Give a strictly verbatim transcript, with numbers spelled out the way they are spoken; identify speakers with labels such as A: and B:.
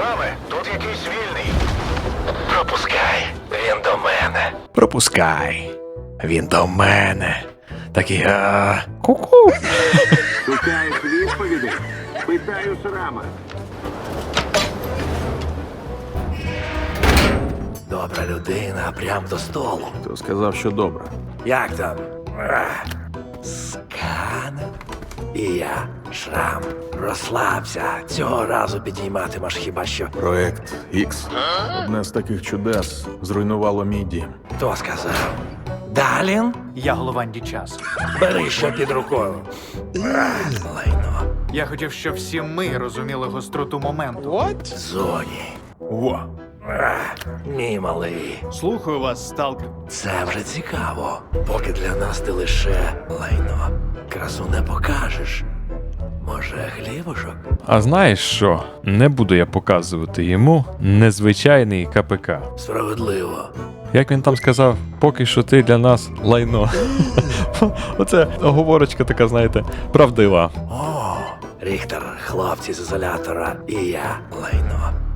A: Шраме, тут якийсь вільний. Пропускай, він до мене.
B: Пропускай. Він до мене. Такий, а... Ку-ку.
C: Шукаєш відповіді? Питаю Шрама.
A: Добра людина, прям до столу.
B: Хто сказав, що добре?
A: Як там? Ах, Скан. І я, Шрам. Розслабся. Цього разу підійматимеш хіба що.
B: Проект Ікс. Одне з таких чудес зруйнувало мій дім.
A: Хто сказав? Далін?
D: Я Голованді час.
A: Бери що під рукою. Ах, Лайно.
D: Я хотів, щоб всі ми розуміли гостроту моменту.
A: Зоні.
B: Во.
A: Ах, Мій малий.
D: Слухаю вас, сталкер.
A: Це вже цікаво. Поки для нас ти лише лайно. Красу не покажеш. Може, хлібушок?
E: А знаєш що? Не буду я показувати йому незвичайний КПК.
A: Справедливо.
E: Як він там сказав, поки що ти для нас лайно. Оце оговорочка така, знаєте, правдива.
A: О, Ріхтер, хлопці з ізолятора і я лайно.